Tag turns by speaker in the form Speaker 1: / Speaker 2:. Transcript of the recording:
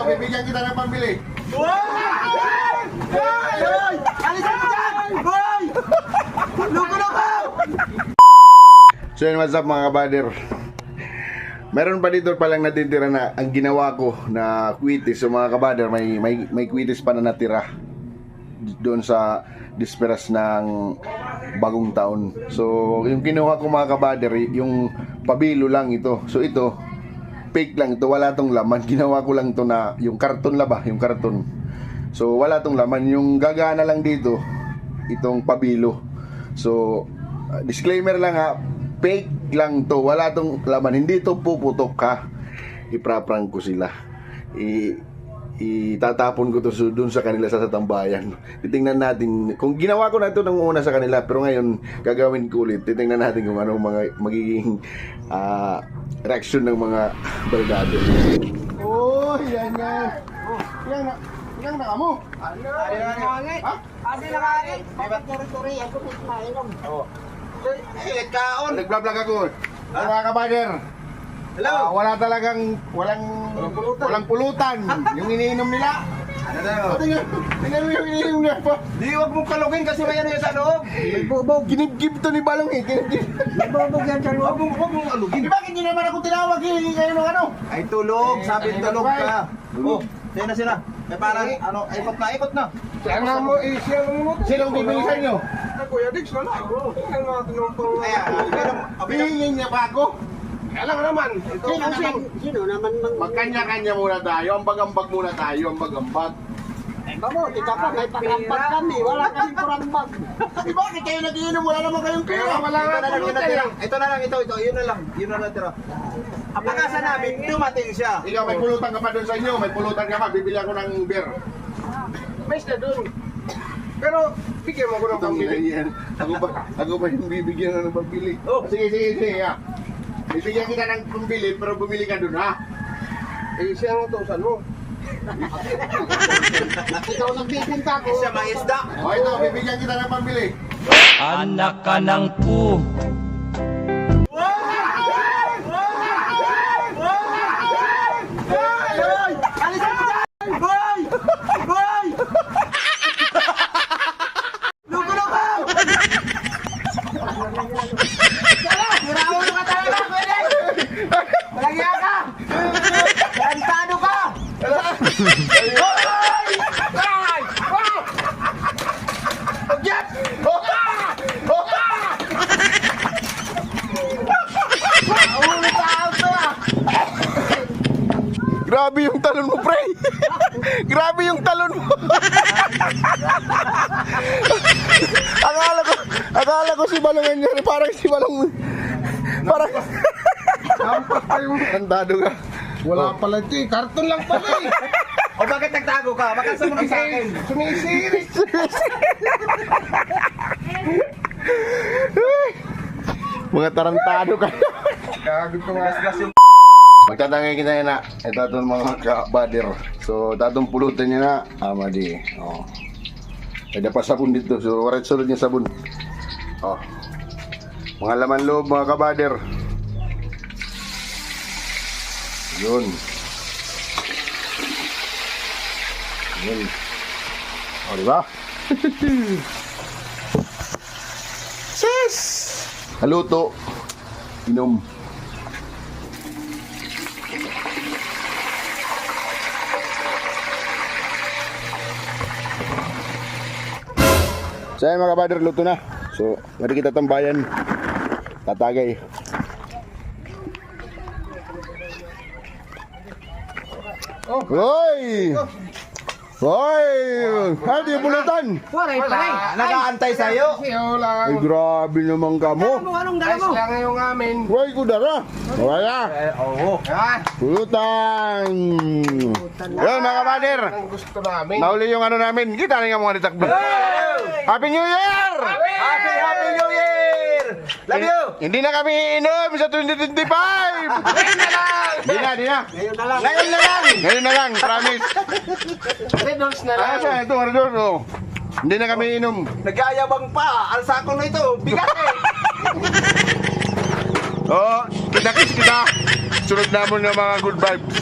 Speaker 1: bibigyan kita ng pambili.
Speaker 2: Hoy! Alisan mo dyan! Hoy! Loko-loko!
Speaker 1: So yun, what's up mga kabader? Meron pa dito palang natitira na ang ginawa ko na kwitis. So mga kabader, may kwitis pa na natira doon sa disperas ng bagong taon. So yung kinuha ko mga kabader, yung pabilo lang ito. So ito, fake lang ito, wala tong laman. Ginawa ko lang to na yung karton ba, yung karton. So wala tong laman, yung gagana lang dito itong pabilo. So disclaimer lang ha, fake lang to, wala tong laman, hindi to puputok ha. Ipraprank ko sila, itatapon ko to dun sa kanila sa tambayan. Titingnan natin kung ginawa ko na ito nung una sa kanila, pero ngayon gagawin ko ulit. Titingnan natin kung anong mga magiging reaction ng mga barkada. Oh, yan yan. Yang na mo.
Speaker 2: Ano? Nakangit?
Speaker 1: Ha?
Speaker 2: Ano nakangit? Bakit turi-turi? Ako may mainom.
Speaker 1: Oo.
Speaker 2: Ilit kaon.
Speaker 1: Nag-vlog ako. Mga kabader.
Speaker 2: Hello?
Speaker 1: Wala talagang walang pulutan. Yung iniinom nila.
Speaker 2: Ano daw?
Speaker 1: Tingnan mo yung iniinom niya pa.
Speaker 2: Di wag mong kalugin kasi may ano yan sa loob.
Speaker 1: May bubog. Ginib-gib to ni Balong eh. Ginib-gib.
Speaker 2: May bubog yan sa loob. Wag mong alugin.
Speaker 1: Bakit hindi naman ako tinawag eh? Kayo ng ano?
Speaker 2: Ay tulog. Sabi tulog ka. Oh, sina. May parang ano, ikot na.
Speaker 3: Siya mo, siya mo.
Speaker 1: Sinong bibili sa inyo?
Speaker 3: Kuya Dix, wala ako. Ang mga tinumpang...
Speaker 1: Hihingin niya pa ako?
Speaker 3: Alam ka naman.
Speaker 2: Sino naman mang...
Speaker 1: Magkanya-kanya muna tayo. Ambag-ambag muna tayo. Ambag-ambag.
Speaker 2: Mabuti ka pa, may pag-ambag kami. Wala kaming kurambag.
Speaker 1: Eh bakit kayo nag-iinom? Wala naman kayong pera.
Speaker 3: Wala nga pulutan.
Speaker 2: Ito na lang, ito. Yun na lang. Yun na lang tira. Ang pag-asa namin, dumating siya.
Speaker 1: Ikaw, may pulutan ka pa doon sa inyo. May pulutan ka pa. Bibili ako ng beer.
Speaker 3: May na dun. Pero, bigyan mo ko ng pambili.
Speaker 1: Yan. Ako ba yung bibigyan ng pambili?
Speaker 2: Oh.
Speaker 1: Sige. Ha. Bibigyan kita ng pambili, pero bumili ka doon, ha?
Speaker 3: Eh, siya ang utusan mo.
Speaker 1: Ikaw nagpipinta ko.
Speaker 2: Siya maisda.
Speaker 1: O ito, bibigyan kita ng pambili.
Speaker 4: Anak ka ng pu.
Speaker 2: Alisan mo dyan! Hoy! Hoy! Loko-loko! Hiraulo ka talaga, pwede! Malagya ka! Garantado ka! Hoy!
Speaker 1: Yes!
Speaker 2: Ulo ka auto ah!
Speaker 1: Grabe yung talon mo, pre! Grabe yung talon mo! akala ko si Balong yan. Parang si Balong... Parang...
Speaker 3: Hampas pa yung...
Speaker 1: Andado ka.
Speaker 3: Wala pala ito eh. Karton lang pala eh.
Speaker 2: O bakit nagtago ka? Bakit sumunod sa akin?
Speaker 3: Sumisirit.
Speaker 1: Mga tarantado ka.
Speaker 3: Gago ko nga.
Speaker 1: Magtatangay kita na. Ito itong mga kabader. So, tatong pulutan niya na. Amadi. Oh. Ada pa sabon dito. So, warit sulod niya sabon. Oh. Mga laman loob, mga kabader. Yun. Yun. O, diba? Sis! Haluto. Inom. So, ayan mga kabader, luto na. So, mari kita tambayan. Tatagay. Hoy! Hoy! Ano yung pulutan?
Speaker 2: Waray pa. Nag-aantay sa'yo.
Speaker 1: Ay, grabe naman ka mo.
Speaker 2: Anong dala
Speaker 3: Ayos
Speaker 2: mo?
Speaker 3: lang yung amin.
Speaker 1: Hoy, kudara. Wala.
Speaker 2: Oo.
Speaker 1: Pulutan. Yun, mga kabader.
Speaker 3: Ang gusto namin.
Speaker 1: Nauli yung ano namin. Kita rin nga mga ditakbo. Happy New Year!
Speaker 2: Happy New Year! Love you!
Speaker 1: Hindi na kami inom sa 2025!
Speaker 2: Ngayon na lang!
Speaker 1: Di na.
Speaker 2: Ngayon na lang!
Speaker 1: Ngayon na lang, promise.
Speaker 3: Red Doors na lang.
Speaker 1: Ah, siya, ito, Ardor. Oh. Hindi na kami inom.
Speaker 2: Nag-aayabang pa! Ang sako na ito! Bigat eh!
Speaker 1: Oh, kita. Sunod namin ng mga good vibes.